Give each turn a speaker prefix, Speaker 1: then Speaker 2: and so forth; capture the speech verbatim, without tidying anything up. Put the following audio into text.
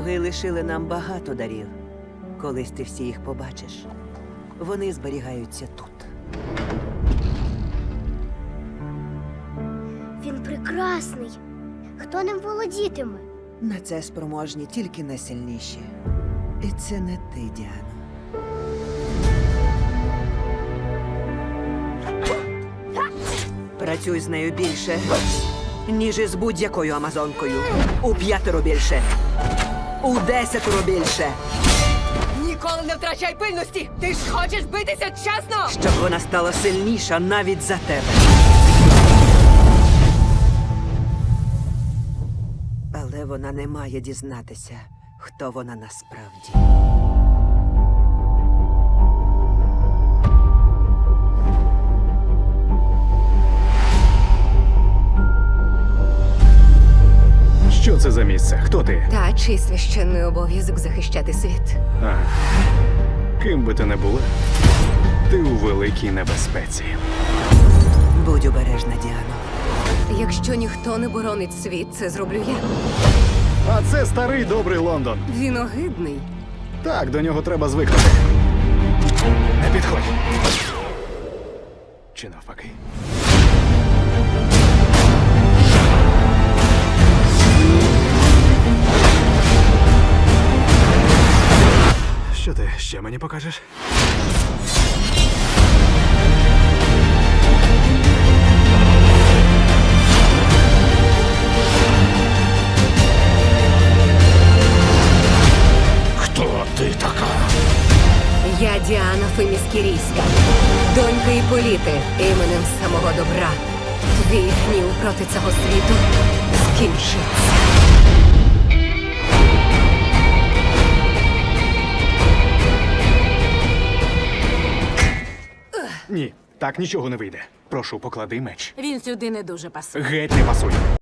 Speaker 1: Боги лишили нам багато дарів. Колись ти всі їх побачиш. Вони зберігаються тут.
Speaker 2: Він прекрасний. Хто ним володітиме?
Speaker 1: На це спроможні тільки найсильніші. І це не ти, Діано. Працюй з нею більше, ніж із будь-якою амазонкою. У п'ятеро більше. У десятеро більше.
Speaker 3: Ніколи не втрачай пильності! Ти ж хочеш битися чесно!
Speaker 1: Щоб вона стала сильніша навіть за тебе. Але вона не має дізнатися, хто вона насправді.
Speaker 4: Що це за місце? Хто ти?
Speaker 3: Та чий священний обов'язок захищати світ.
Speaker 4: А, ким би ти не була, ти у великій небезпеці.
Speaker 1: Будь обережна, Діано.
Speaker 3: Якщо ніхто не боронить світ, це зроблю я.
Speaker 4: А це старий добрий Лондон.
Speaker 3: Він огидний.
Speaker 4: Так, до нього треба звикнути. Не підходь. Чи навпаки? Що ти ще мені покажеш?
Speaker 5: Хто ти така?
Speaker 3: Я Діана Феміскірійська, донька Іполіти, іменем самого добра. Твій гнів проти цього світу скінчиться.
Speaker 4: Ні, так нічого не вийде. Прошу, поклади меч.
Speaker 6: Він сюди не дуже пасує.
Speaker 4: Геть не пасує.